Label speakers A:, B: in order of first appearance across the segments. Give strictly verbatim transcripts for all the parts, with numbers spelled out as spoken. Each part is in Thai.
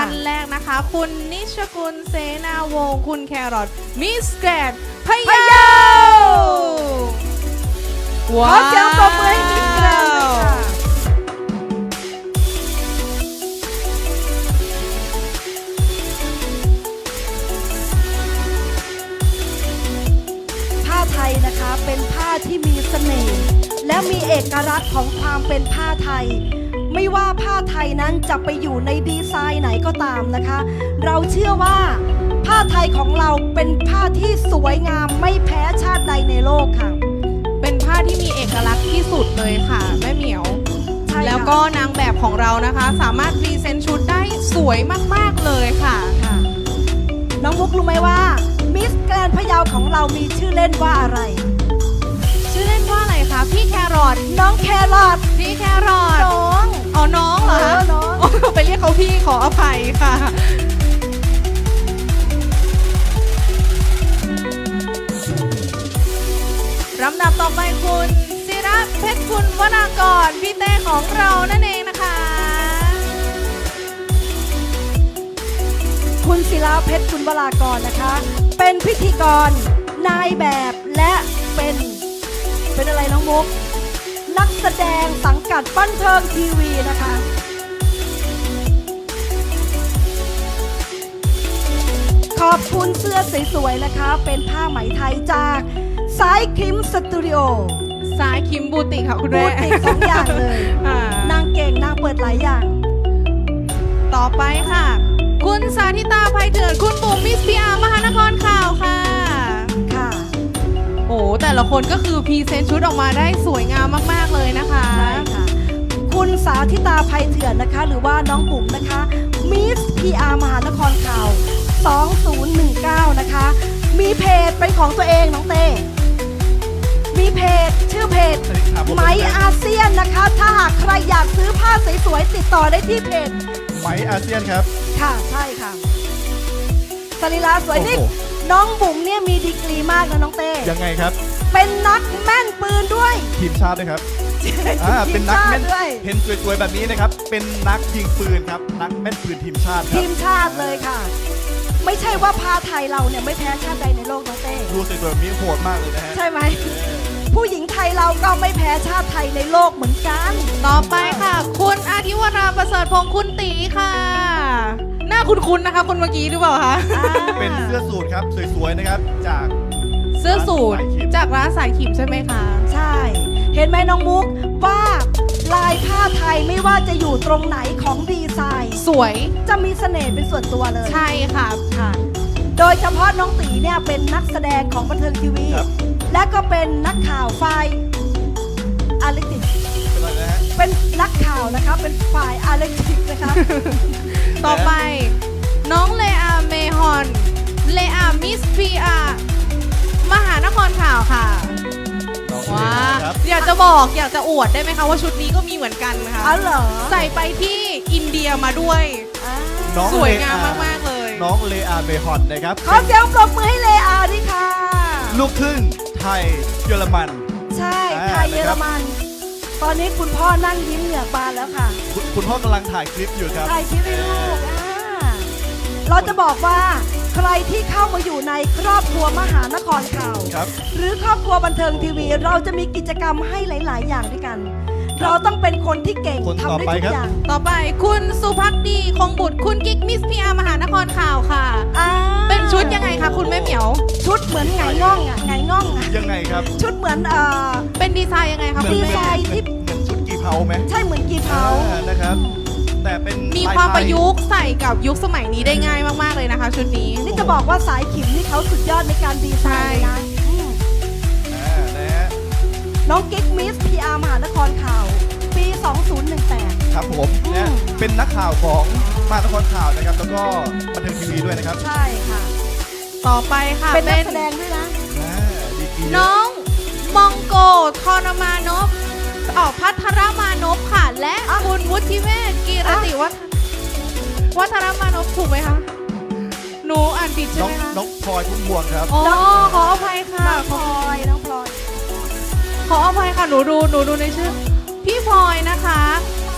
A: านแรกนะคะคุณนิชกุลเสนาวงศ์คุณแครอทมิสแกรนด์พะเยาว้าวขอเสียงปรบมือให้มิสแกรนด์ด้วยค่ะ
B: ผ้าไทยนะคะเป็นผ้าที่มีเสน่ห์และมีเอกลักษณ์ของความเป็นผ้าไทยไม่ว่าผ้าไทยนั้นจะไปอยู่ในดีไซน์ไหนก็ตามนะคะเราเชื่อว่าผ้าไทยของเราเป็นผ้าที่สวยงามไม่แพ้ชาติใดในโลกค่ะ
A: เป็นผ้าที่มีเอกลักษณ์ที่สุดเลยค่ะแม่เหมียวแล้วก็นางแบบของเรานะคะสามารถพรีเซนต์ชุดได้สวยมากๆเลยค่ะ
B: ค่ะน้องมุกรู้ไหมว่ามิสแกรนด์พะเยาของเรามีชื่อเล่นว่าอะไร
A: ชื่อเล่นว่าอะไรคะพี่แครอท
B: น้องแครอท
A: พี่แครอท
B: น้อง
A: อ๋อน้องเหรอคะ
B: น้อง
A: ไปเรียกเขาพี่ขออภัยค่ะลำดับต่อไปคุณศิระเพชรคุณวนากรพี่เต้ของเรานั่นเองนะคะ
B: คุณศิระเพชรคุณวรากรนะคะเป็นพิธีกรนายแบบและเป็นเป็นอะไรน้องมุกนักแสดงสังกัดบันเทิงทีวีนะคะขอบคุณเสื้อสวยๆนะคะเป็นผ้าไหมไทยจากสายคิมสตูดิโอ
A: สายคิมบูติกค่ะคุณแม่
B: บูติกสองอย่างเลยนางเก่งนางเปิดหลายอย่าง
A: ต่อไปค่ะคุณสาธิตาภัยเถื่อนคุณบุ๋มมิสพีอาร์มหานครข่าวค่ะ
B: ค่ะ
A: โอ้แต่ละคนก็คือพรีเซนต์ชุดออกมาได้สวยงามมากๆเลยนะคะ
B: ใช่ค่ะคุณสาธิตาภัยเถื่อนนะคะหรือว่าน้องบุ๋มนะคะมิสพีอาร์มหานครข่าวสองศูนย์หนึ่งเก้านะคะมีเพจเป็นของตัวเองน้องเต้มีเพจชื่อเพจไหมอาเซียนนะคะถ้าหากใครอยากซื้อผ้าสวยๆติดต่อได้ที่เพจ
C: ไหมอาเซียนครับ
B: ค่ะใช่ค่ะสรีระสวยนี่น้องบุ๋มเนี่ยมีดีกรีมากนะน้องเต้
C: ยังไงครับ
B: เป็นนักแม่นปืนด้วย
C: ทีมชาติด้วยครับอ่าเป็นนักแม่นเห็นสวยๆแบบนี้นะครับเป็นนักยิงปืนครับนักแม่นปืนทีมชาติ
B: ทีมชาติเลยค่ะไม่ใช่ว่าผ้าไทยเราเนี่ยไม่แพ้ชาติใดในโลกน้องเต้
C: ดูสวยๆแบบนี้โหดมากเลยนะฮะ
B: ใช่ไหมผู้หญิงไทยเราก็ไม่แพ้ชาติไทยในโลกเหมือนกัน
A: ต่อไปค่ะคุณอาทิวราประเสริฐพงศ์คุณตีค่ะหน้าคุ้นๆนะคะคนเมื่อกี้หรือเปล่าคะ
C: เป็นเสื้อสูทครับสวยๆนะครับจาก
A: เสื้อสูทจากร้านสายขิมใช่ไหมคะ
B: ใช่เห็นไหมน้องมุกว่าลายผ้าไทยไม่ว่าจะอยู่ตรงไหนของดีไซน์
A: สวย
B: จะมีเสน่ห์เป็นส่วนตัวเลย
A: ใช่ค่ะ
B: ค่ะโดยเฉพาะน้องตีเนี่ยเป็นนักแสดงของบันเทิงทีวีและก็เป็นนักข่าวฝ่ายอาร์ติกเป็นนักข่าวนะคะเป็นฝ่ายอาร์ติกนะคะ
A: ต่อไปน้องเลอาเมฮอนเลอามิสพีอาร์มหานครข่าวค่ะว้าอยากจะบอกอยากจะอวดได้ไหมคะว่าชุดนี้ก็มีเหมือนกันนะคะ
B: อ๋อเหรอ
A: ใส่ไปที่อินเดียมาด้วยสวยงามมากๆเลย
C: น้องเลอาเมฮอนนะครับ
B: ขอเสียงปรบมือให้เลอาด้วยค่ะ
C: ลูกครึ่งไทยเยอรมัน
B: ใช่ไทยเยอรมันตอนนี้คุณพ่อนั่งยิ้มเหงือกบานแล้วค่ะ
C: คุณพ่อกำลังถ่ายคลิปอยู่ครับ
B: ถ่ายคลิปให้ลูกเราจะบอกว่าใครที่เข้ามาอยู่ในครอบครัวมหานครข่าวหรือครอบครัวบันเทิงทีวีเราจะมีกิจกรรมให้หลายๆอย่างด้วยกันเราต้องเป็นคนที่เก่งทำได้ทุกอย่าง
A: ต่อไปคุณสุภักดีคงบุตรคุณกิ๊กมิสพีอาร์มหานครข่าวค่ะเป็นชุดยังไงคะคุณแม่เหมียว
B: ชุดเหมือนไงง่องอ่ะไงง่องอ่ะ
C: ยังไงครับ
B: ชุดเหมือนเอ่อ
A: เป็นดีไซน์ยังไงคะ
B: ดีไซน์ที่
C: เหมือนชุดกีเพาไหม
B: ใช่เหมือนกีเพา
C: นะครับแต่เป็น
A: มีความประยุกต์ใส่กับยุคสมัยนี้ได้ง่ายมากๆเลยนะคะชุดนี้
B: นี่จะบอกว่าสายขิมนี่เขาสุดยอดในการดีไซน์นะน้องกิ๊กมิสพีอาร์มหานครข่าวปีสองศูนย์หนึ่งแปด
C: ครับผมเนี่ยเป็นนักข่าวของมหานครข่าวนะครับแล้วก็บันเทิงทีวีด้วยนะครับ
B: ใช่ค่ะ
A: ต่อไปค่ะ
B: เป็นนักแสดงด้วยนะ
A: น้องมองโกทรมานพออกพัทรมานพค่ะและคุณวุฒิเวศกีรติวัฒวัฒรมานพถูกไหมคะหนูอ่านผิดใช่ไหมคะ
C: น้องพลอยพุ่มพวงครับ
A: อ๋อขออภัยค่ะ
B: น้องพลอยน้องพลอย
A: ขออภัยค่ะหนูดูหนูดูในชื่อพี่พลอยนะคะ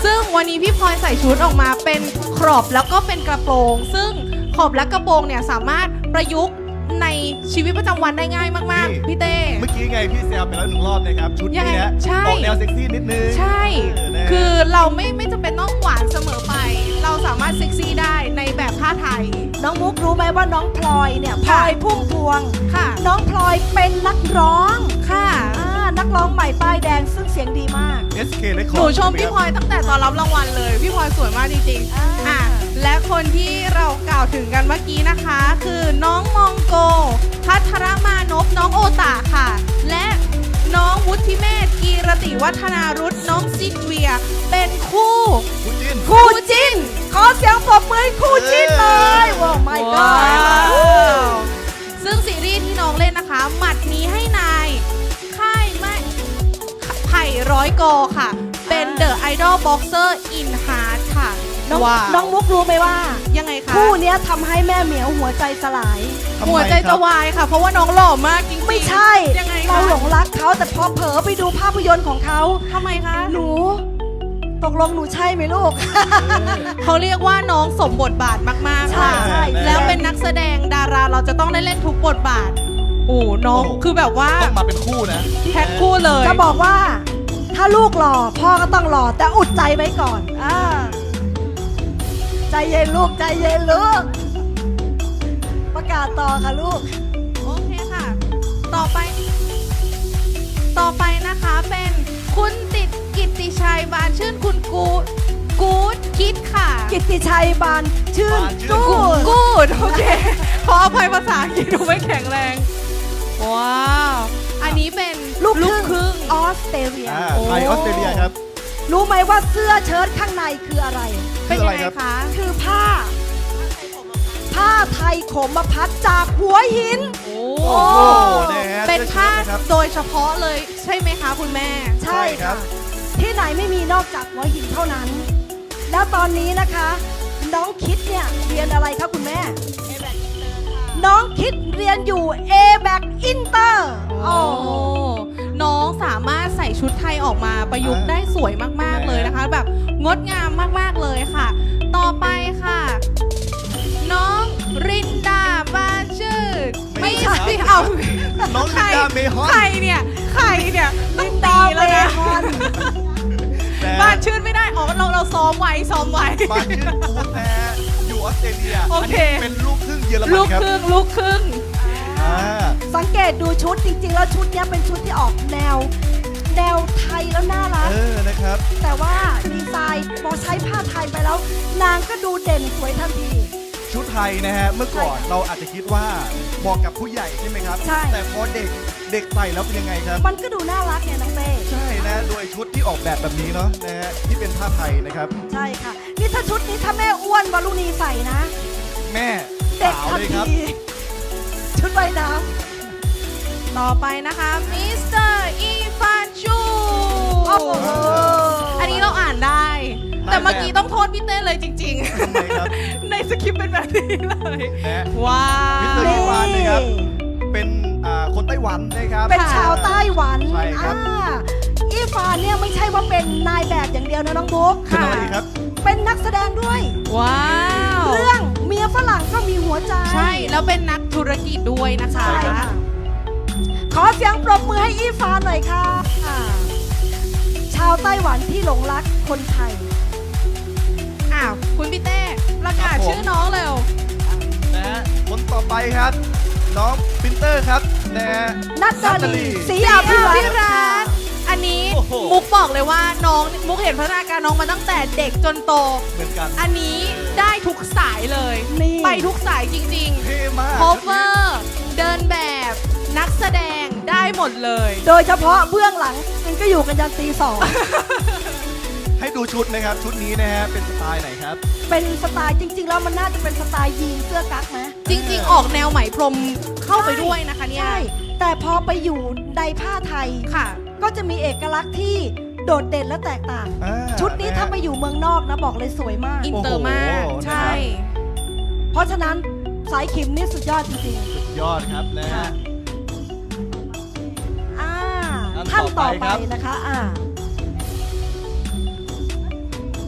A: ซึ่งวันนี้พี่พลอยใส่ชุดออกมาเป็นครอปแล้วก็เป็นกระโปรง ซึ่งขอบและกระโปรงเนี่ยสามารถประยุกต์ในชีวิตประจำวันได้ง่ายมาก
C: นี่
A: ๆ พี่เต้
C: เมื่อกี้ไงพี่แซวไปแล้วหนึ่งรอบนะครับ ชุด
A: ยัง
C: นี้
A: ไง
C: นะ
A: ใช่
C: ออกแนวเซ็กซี่นิดนึง
A: ใช่
C: เออนะ
A: คือเราไม่ไม่จำเป็นต้องหวานเสมอไป เราสามารถเซ็กซี่ได้ในแบบผ้าไทย
B: น้องมุกรู้ไหมว่าน้องพลอยเนี่ยพลอยพุ่มพวง
A: ค่ะ
B: น้องพลอยเป็นนักร้อง
A: ค่ะ
B: อ่านักร้องใหม่ป้ายแดงซึ่งเสียงดีมาก
C: เอส เค Record
A: หนูชม
C: ใไห
A: พี่
C: ครับ
A: พลอยตั้งแต่ตอนรับรางวัลเลย พี่พลอยสวยมากจริงๆ
B: อ่า
A: อ่ะและคนที่เรากล่าวถึงกันเมื่อกี้นะคะ คือน้องมองโก พัทรมานพน้องโอตาค่ะ และน้องวุฒิเมธกีรติวัฒนารุตน้องซินเวีย เป็นคู่
C: คุณจิน
A: คู่จิ้น
B: ขอเสียงปรบมือให้คู่จิ้นเลยว้าวไม่ก็
A: ว้าวซึ่งซีรีส์ที่น้องเล่นนะคะ หมัดนี้ให้นาย ค่ายไม่ไผ่ร้อยกอค่ะ เป็นเดอะไอดอลบ็อกเซอร์อินฮาร์ดค่ะ
B: น้อง
A: ว้าว
B: น้องมุกรู้ไหมว่า
A: ยังไงคะ
B: คู่เนี้ยทำให้แม่เหมียวหัวใจสลาย
C: ทำไม
A: หัวใจ
C: ครั
A: จะ
C: บ
A: วายค่ะ เพราะว่าน้องหล่อมากจริงๆ
B: ไม่ใช่
A: ยังไง
B: เรา
A: คะ
B: หลงรักเขาแต่พอเผลอไปดูภาพยนตร์ของเขา
A: ทำไมคะ
B: หนู ตกลงหนูใช่ไหมลูก
A: เขาเรียกว่าน้องสมบทบาทมากๆค่ะ
B: ใช่ใช่
A: แล้วเป็นนักแสดงดาราเราจะต้องได้เล่นทุกบทบาท โอ้น้อง
C: โอ้
A: คือแบบว่า
C: ต้องมาเป็นคู่นะ
A: แพ็คคู่เลย
B: จะบอกว่า ถ้าลูกหล่อพ่อก็ต้องหล่อแต่อุดใจไว้ก่อนอ่าใจเย็นลูกใจเย็นลูก ประกาศต่อค่ะลูก
A: โอเคค่ะ ต่อไป ต่อไปนะคะเป็นคุณติดกิตติชัยบานชื่นคุณกูดกูดคิดค่ะ
B: กิตติชัยบานชื่น
C: บานชื่น
B: กูด
A: กูดโอเค ขออภัยภาษาอังกฤษดูไม่แข็งแรง ว้าว อันนี้เป็น
B: ลูก
A: ลูก
B: ค
A: ค
B: รึ่
A: รึ่
B: ง
A: ง
B: ออสเตรเลีย
C: อ่า
A: โอ้
C: ไทยออสเตรเลียครับ
B: รู้ไหมว่าเสื้อเชิ้ตข้างในคืออะไร
A: เป็นยังไงคะ
B: คือผ้า ผ้าไทยขมพัดจากหัวหิน
A: โอ้
C: โอ้โหนะฮะ
A: เป็นผ้า
C: เสื้อเชิ้ตนะครับ
A: โดยเฉพาะเลยใช่ไหมคะคุณแม่
B: ใช่
C: ใช่ครั
B: ค่ะ
C: บ
B: ที่ไหนไม่มีนอกจากหัวหินเท่านั้น แล้วตอนนี้นะคะ น้องคิดเนี่ยเรียนอะไรคะคุณแม่ น้องคิดเรียนอยู่ เอ แบค Inter
A: โอ้น้องสามารถใส่ชุดไทยออกมาประยุกต์
C: อ่า
A: ได้สวยมากๆเลยนะคะ แบบงดงามมากๆเลยค่ะ ต่อไปค่ะ น้องรินดาบานชื่น
C: ไม่
A: ไม่
C: ใช่
A: ใช่เอา
C: น้องลินดาเมฮอน
A: ใครเนี่ยใครเนี่ยต้อง
B: ดา
A: ตี
B: ว
A: แล้วนะ
B: เมฮอน
C: นะ
A: บ้านชื่นไม่ได้อ๋อเราเราซ้อมไว้ซ้อมไว้
C: บานชื่นกูดนะฮะอยู่ออสเตรเลีย
A: โอเค
C: นนี้เป็นลูกครึ่งเยอรมั
A: ลู
C: น
A: ก
C: ครับ
A: ครึ่งลูกครึ่ง
C: อ่า
B: สังเกตดูชุดจริงๆ แล้วชุดเนี้ยเป็นชุดที่ออกแนว แนวไทยแล้วน่ารัก
C: เออนะครับ
B: แต่ว่าดีไซน์พอใช้ผ้าไทยไปแล้ว นางก็ดูเด่นสวยทันที
C: ชุดไทยนะฮะ เมื่อก่อน
B: ใช่ค่ะ
C: เราอาจจะคิดว่าเหมาะกับผู้ใหญ่ใช่ไหมครับ
B: ใช่
C: แต่พอเด็กเด็กใส่แล้วเป็นยังไงครับ
B: มันก็ดูน่ารักไงน้องเต้
C: ใช่นะ โดยชุดที่ออกแบบแบบนี้เนาะนะฮะ ที่เป็นผ้าไทยนะครับ
B: ใช่ค่ะ นี่ถ้าชุดนี้ถ้าแม่อ้วนวารุณีใส่นะ
C: แม่
B: เด็ก
C: สาว
B: ทัน
C: เลยค
B: ที
C: รับ
B: ชุดว่ายน้
A: ต่อไปนะคะมิสเตอร์อีฟานชู
B: ำโอ้โห
A: อันนี้เราอ่านได้ แต่เมื่อกี้
C: ได้แบบ
A: ต้องโทษพี่เต้เลยจริง
C: ทำไมครับ
A: ๆ ในสคริปต์เป็นแบบนี้เลย
C: นะ
A: ว้า
C: มิสเตอร์
A: ว
C: อีฟานนะครับ เป็นอ่าคนไต้หวันนะครับ
B: เป็นชาวไต้หวัน
C: ใช่ครับ
B: อ่าอีฟานเนี่ยไม่ใช่ว่าเป็นนายแบบอย่างเดียวนะน้องบุ๊ก
C: เป็นอะไรอีกครับ
B: เป็นนักแสดงด้วย
A: ว้าว
B: เรื่องเมียฝรั่งก็มีหัวใจ
A: ใช่ แล้วเป็นนักธุรกิจด้วยนะคะ
B: ใช่ค่ะขอเสียงปรบมือให้อีฟานหน่อยค่ะอ่าชาวไต้หวันที่หลงรักคนไทย
A: อ้าว คุณพี่เต้ประกาศ
C: ครับผม
A: ชื่อน้องเร็ว
C: นะฮะคนต่อไปครับ น้องปรินเตอร์ครับนะฮะ
B: นัดดา
C: นัดดาลี
B: ลีศรีอาภิ
A: พี่
B: รั
A: รั
B: ต
A: ตน์อันนี้
C: โอ้โห
A: มุกบอกเลยว่าน้องมุกเห็นพัฒนาการน้องมาตั้งแต่เด็กจนโต
C: เหมือนกัน
A: อันนี้ได้ทุกสายเลย
B: นี่
A: ไปทุกสายจริง
C: เท่มาก
A: ๆ cover เดินแบบ นักแสดงได้หมดเลย
B: โดยเฉพาะเบื้องหลังมันก็อยู่กันยันตีสอง
C: ให้ดูชุดนะครับ ชุดนี้นะฮะ เป็นสไตล์ไหนครับ
B: เป็นสไตล์จริง ๆ แล้วมันน่าจะเป็นสไตล์ยีนเสื้อกั๊กไหม
A: จริงๆ ออกแนวไหมพรมเข้าไปด้วยนะคะเนี่ย
B: ใช่ แต่พอไปอยู่ในผ้าไทย
A: ค่ะ
B: ก็จะมีเอกลักษณ์ที่โดดเด่นและแตกต่าง
C: อ่า
B: ชุดนี้
C: นะฮะ
B: ถ้าไปอยู่เมืองนอกนะบอกเลยสวยมาก
A: อินเตอร์มาก
C: โอ้โห
A: ใช่
B: เพราะฉะนั้นสายขิมนี่สุดยอดจริง
C: ยอดครับนะฮะ
B: ๆอ่า
C: อัน
B: ท่าน
C: ต่
B: ต่
C: อ
B: อ
C: ไป
B: ไป
C: ครับ
B: นะคะอ่า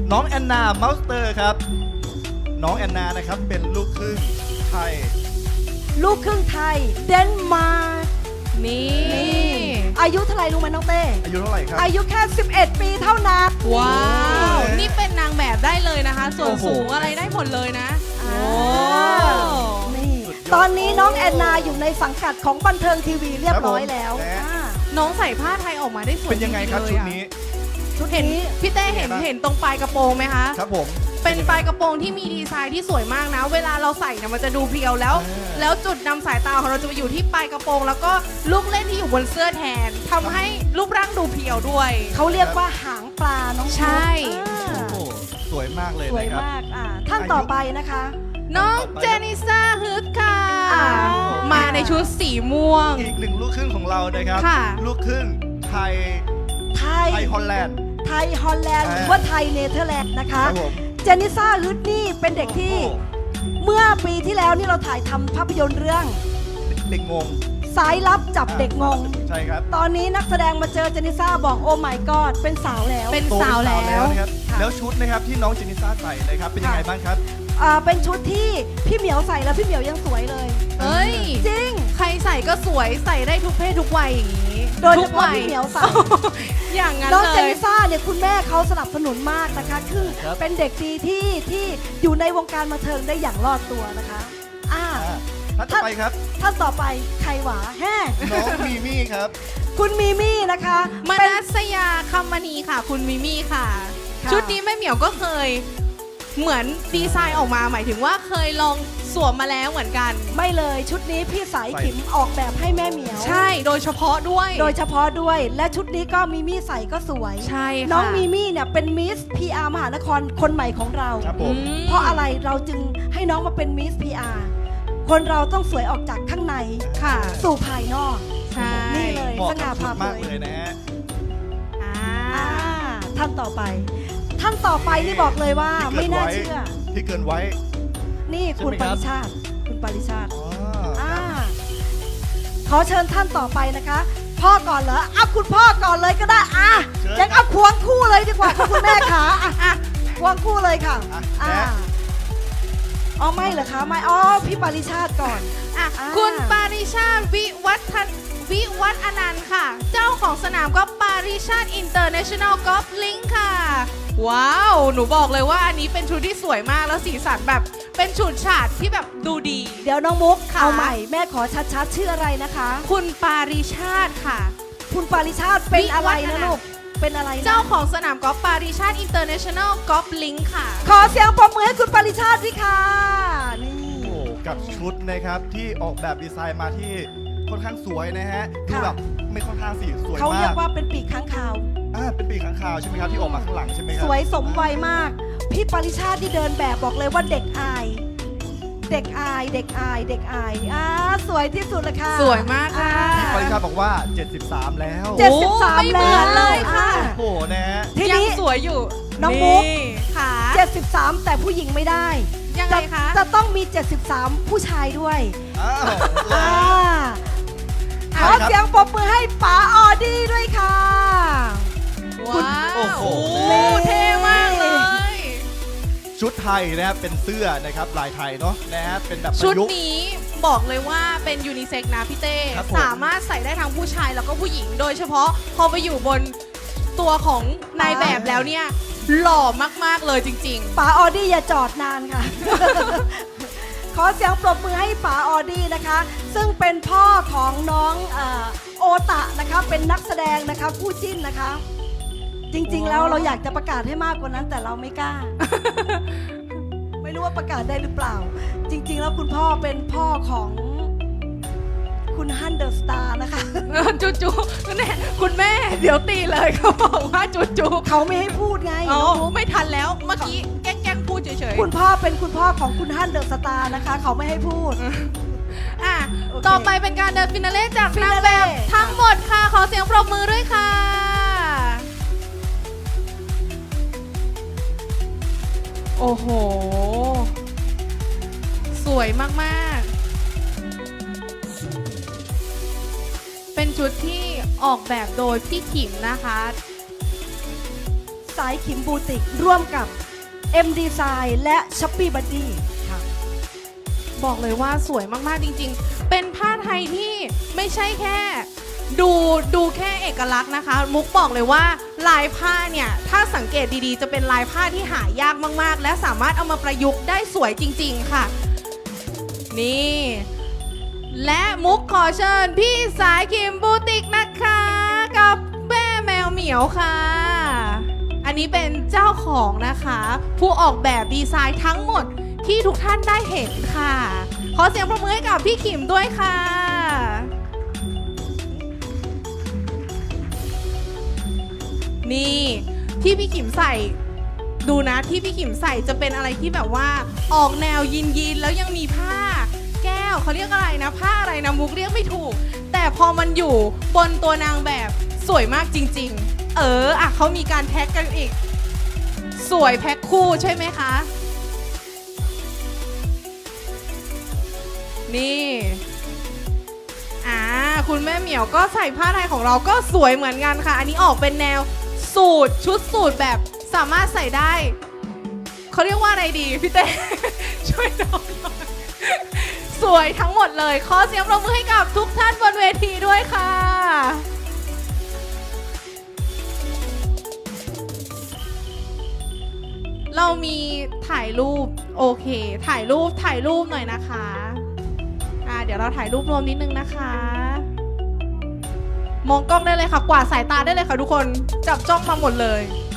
C: น้องแอนนาเมาสเตอร์ครับน้องแอนนานะครับเป็นลูกครึ่งไทย
B: ลูกครึ่งไทยเดนมาร์ก
A: นี่
B: นี่อายุเท่าไหร่รู้ไหมน้องเต้
C: อายุเท่าไหร่ครับ
B: อายุแค่สิบเอ็ดปีเท่านั้น
A: ว้าว
C: โอ้ย
A: นี่เป็นนางแบบได้เลยนะคะ ส่วน
C: โอ้โห
A: สูงอะไรได้หมดเลยนะ
B: อ่า
A: โอ้
B: นี่
C: สุดยอด
B: ตอนนี้น้องแอนนาอยู่ในสังกัดของบันเทิงทีวีเรียบร้อยแล้ว
C: ครับผม
B: อ่า
A: น้องใส่ผ้าไทยออกมาได้สวย
C: เป็นยังไงครับ
A: จ
C: ชุ
A: ริ
C: ด
A: ๆเลยอะ
C: นี้
B: ชุด
A: เห็น
B: นี้
A: พี่เต้เห็น
C: เป็นไงบ้าง
A: เห็นตรงปลายกระโปรงไหมคะ
C: ครับผม
A: เป็นปลายกระโปรงที่มีดีไซน์ที่สวยมากนะ เวลาเราใส่เนี่ยมันจะดูเพรียวแล้ว
C: อ่า
A: แล้วจุดนำสายตาของเราจะไปอยู่ที่ปลายกระโปรง แล้วก็ลูกเล่นที่อยู่บนเสื้อแทนทำให้รูปร่างดูเพรียวด้วย
B: เขาเรียกว่าหางปลาน้อง
A: ใช่
B: อ่า
C: โอ้โหสวยมากเลย
B: สวย
C: นะครับ
B: มากอ่าท่านต่อไปนะคะ
A: น้องเจนิซ่าฮึดค่ะ
B: อ่า
A: มาในชุดสีม่วง
C: อีกหนึ่งลูกครึ่งของเรานะครับ
A: ค่ะ
C: ลูกครึ่งไทย
B: ไทย
C: ไทยฮอลแลนด์
B: ไทยฮอลแลนด์
C: อ่า
B: หรือว่าไทยเนเธอร์แลนด์นะ
C: ค
B: คะ
C: รับผม
B: เจนิซ่าฮึดนี่เป็นเด็กที่
C: โอ้โห
B: เมื่อปีที่แล้วนี่เราถ่ายทำภาพยนตร์เรื่อง
C: เด็กงง
B: สายลับจับเด็กงง
C: ใช่ครับ
B: ตอนนี้นักแสดงมาเจอเจนิซ่าบอกโอ้ my god เป็นสาวแล้ว
A: เป็น
C: โต
A: สาวแล้ว
C: นะครับ
B: ค่ะ
C: แล้วชุดนะครับที่น้องเจนิซ่าใส่นะครับเป็นยังไง
B: ค่ะ
C: บ้างครับ
B: อ่าเป็นชุดที่พี่เหมียวใส่แล้วพี่เหมียวยังสวยเลย
A: เอ้ย
B: จริง
A: ใครใส่ก็สวยใส่ได้ทุกเพศทุกวัยอย่างนี้
B: โดยเฉ
A: ทุก
B: พาะ
A: วั
B: พี่เหมียวใส่
A: อย่างนั้น
B: น้อง
A: เล
B: เจ
A: ย
B: นิซ่าเนี่ยคุณแม่เขาสนับสนุนมากนะคะ คือ
C: ครับ
B: เป็นเด็กดีที่ที่อยู่ในวงการบันเทิงได้อย่างรอดตัวนะคะอ่า
C: อ่าท่านต่อไปครับ
B: ท่านต่อไปใครหวาแฮ่
C: น้องมีมี่ครับ
B: คุณมีมี่นะคะ
A: ม
B: เป็น
A: นัสยาคำมณีค่ะ คุณมิมี่ค่ะ
B: ค่ะ
A: ชุดนี้แม่เหมียวก็เคย เหมือนดีไซน์ออกมาหมายถึงว่าเคยลองสวมมาแล้วเหมือนกัน
B: ไม่เลยชุดนี้พี่สาย
C: ใส่
B: ขิมออกแบบให้แม่เหมียว
A: ใช่โดยเฉพาะด้วย
B: โดยเฉพาะด้วย และชุดนี้ก็มีมี่ใส่ก็สวย
A: ใช่ค่ะ
B: น้องมีมี่เนี่ยเป็นมิส พี อาร์ มหานครคนใหม่ของเรา
C: ครับผม
A: อืม
B: เพราะอะไรเราจึงให้น้องมาเป็นมิส พี อาร์ คนเราต้องสวยออกจากข้างใน
A: ค่ะ
B: สู่ภายนอก
A: ใช่
B: นี่เลย
C: เหมาะ
B: ส
C: กั
B: ง่า
C: บชุ
B: ผ่า
C: ด
B: เผ
C: มาก
B: ย
C: เลยนะฮะ
A: อ่า
B: อ่าท่านต่อไป ท่านต่อไปนี่บอกเลยว่า
C: ที่เกิ
B: ไม่
C: ด
B: น่า
C: ไว้
B: เชื่อ
C: ที่เกินไว้
B: นี่คุณ
C: ใช่
B: ป
C: ไหมครับ
B: ริชาติ คุณปริชาติ
C: อ๋อ
B: อ่าขอเชิญท่านต่อไปนะคะ พ่อก่อนเหรอเอาคุณพ่อก่อนเลยก็ได้อ่ะยังเอาควงคู่เลยดีกว่าค่ะคุณแม่ขาอ่ะอ่ะควงคู่เลยค่ะ
C: อ่ะ
B: อ่า
C: แม่
B: อ๋อไม่เหรอคะไม่อ๋อพี่ปริชาติก่อน
A: อ่ะ
B: อ่า
A: คุณปาริชาติวิวัฒนวิวัฒน์อนันต์ค่ะ เจ้าของสนามกอล์ฟปาริชาติอินเตอร์เนชั่นแนลกอล์ฟลิงค์ค่ะ ว้าว หนูบอกเลยว่าอันนี้เป็นชุดที่สวยมากแล้วสีสันแบบเป็นฉูดฉาดที่แบบดูดี
B: เดี๋ยวน้องมุก
A: ค่ะ
B: เอาใหม่แม่ขอชัดๆชื่ออะไรนะคะ
A: คุณปาริชาติค่ะ
B: คุณปาริชาติเป็นอะไร
A: วิวัฒ
B: นะ
A: น์
B: ลูกเป็นอะไรนะ
A: เจ้าของสนามกอล์ฟปาริชาติอินเตอร์เนชั่นแนลกอล์ฟลิงค์ค่ะ
B: ขอเสียงปรบมือให้คุณปาริชาติด้วยค่ะนี่
C: โอ้กับชุดนะครับที่ออกแบบดีไซน์มาที่ค่อนข้างสวยนะฮะดูแบบไม่ค่อนข้างสีสวย
B: เขา
C: มา
B: เรีย
C: ก
B: กว่าเป็นปีกค้างคาว
C: อ่าเป็นปีกข้างคาวใช่ไหมครับที่ออกมาข้างหลังใช่ไหมครั
B: สวยสมวัยมาก พี่ปริชาติที่เดินแบบบอกเลยว่าเด็กอาย เด็กอาย เด็กอาย เด็กอายอ่าสวยที่สุดเลยค่ะ
A: สวยมากค่ะ
B: อ่า
C: ปริชาบอกว่า เจ็ดสิบสาม แล้ว
B: เจ็ดสิบสาม
A: ไม่เหมือนเลยค่ะ
B: อ่า
C: โอ้โหนะฮะ
B: ที
A: ยัง
B: นี้
A: สวยอยู่
B: น้องมุก
A: ค่ะ
B: เจ็ดสิบสามแต่ผู้หญิงไม่ได้
A: ยังไงคะ
B: จะจะต้องมี เจ็ดสิบสาม ผู้ชายด้วย
C: อ้าว
B: อ่าข
C: ใช่
B: อ
C: ครับ
B: เสียงปรบมือให้ป๋าออดี้ด้วยค่ะ
A: ว้าว
C: โอ้โห
A: เท่มากเลย
C: ชุดไทยนะครับเป็นเสื้อนะครับลายไทยเนาะนะฮะเป็นแบบป
A: ชุด
C: ระยุกต์
A: นี้บอกเลยว่าเป็นยูนิเซ็กซ์นะพี่เต้
C: ครับผม
A: สามารถใส่ได้ทั้งผู้ชายแล้วก็ผู้หญิง โดยเฉพาะพอไปอยู่บนตัวของนายแบบแล้วเนี่ย หล่อมากๆเลยจริง
B: ป๋าออดี้อย่าจอดนานค่ะ ขอเสียงปรบมือให้ป๋าออดี้นะคะ ซึ่งเป็นพ่อของน้องเอ่อโอตะนะคะเป็นนักแสดงนะคะคู่จิ้นนะคะ จริงๆ แล้วเราอยากจะประกาศให้มากกว่านั้นแต่เราไม่กล้า ไม่รู้ว่าประกาศได้หรือเปล่า จริง ๆ แล้วคุณพ่อเป็นพ่อของคุณฮันเดอร์สตาร์นะคะ
A: ๆ จูจูแน่คุณแม่เดี๋ยวตีเลยเขาบอกว่าจูจู
B: เขาไม่ให้พูดไง
A: อ๋อ
B: น้องมุก
A: ไม่ทันแล้วเมื่อกี้แกล้งๆพูดเฉย
B: คุณพ่อเป็นคุณพ่อของคุณฮันเดอร์สตาร์นะคะ เขาไม่ให้พูด
A: ๆอ่ะ
B: โอเค
A: ต่อไปเป็นการเดินฟินาเล่จากนางแบบ
B: Finale
A: ทั้งหมดค่ะ ขอเสียงปรบมือด้วยค่ะ โอ้โห สวยมากๆ เป็นชุดที่ออกแบบโดยพี่ขิมนะคะ ส
B: สายขิมบูติกร่วมกับ เอ็ม Design และ Shopee Buddy ค่ะ
A: บอกเลยว่าสวยมากๆจริงๆ เป็นผ้าไทยที่ไม่ใช่แค่ดูดูแค่เอกลักษณ์นะคะ มุกบอกเลยว่าลายผ้าเนี่ยถ้าสังเกตดีๆ จะเป็นลายผ้าที่หายากมากๆ และสามารถเอามาประยุกต์ได้สวยจริงๆค่ะ นี่ และมุกขอเชิญพี่สายคิมบูติกนะคะกับแม่แมวเหมียวค่ะ อันนี้เป็นเจ้าของนะคะ ผู้ออกแบบดีไซน์ทั้งหมดที่ทุกท่านได้เห็นค่ะ ขอเสียงปรบมือให้กับพี่ขิมด้วยค่ะ นี่ที่พี่ขิมใส่ดูนะที่พี่ขิมใส่จะเป็นอะไรที่แบบว่าออกแนวยินยินแล้วยังมีผ้าแก้วเขาเรียกอะไรนะผ้าอะไรนะมุกเรียกไม่ถูก แต่พอมันอยู่บนตัวนางแบบสวยมากจริงๆเอออ่ะเขามีการแท็กกันอีกสวยแพ็คคู่ใช่ไหมคะนี่อ่าคุณแม่เหมียวก็ใส่ผ้าไทยของเราก็สวยเหมือนกันค่ะอันนี้ออกเป็นแนวสูทชุดสูทแบบสามารถใส่ได้เขาเรียกว่าอะไรดีพี่เต้ ช่วยน้องหน่อยสวยทั้งหมดเลยขอเสียงปรบมือให้กับทุกท่านบนเวทีด้วยค่ะเรามีถ่ายรูปโอเคถ่ายรูปถ่ายรูปหน่อยนะคะอ่าเดี๋ยวเราถ่ายรูปรวมนิดนึงนะคะมองกล้องได้เลยค่ะกวาดสายตาได้เลยค่ะทุกคนจับจ้องมาหมดเลย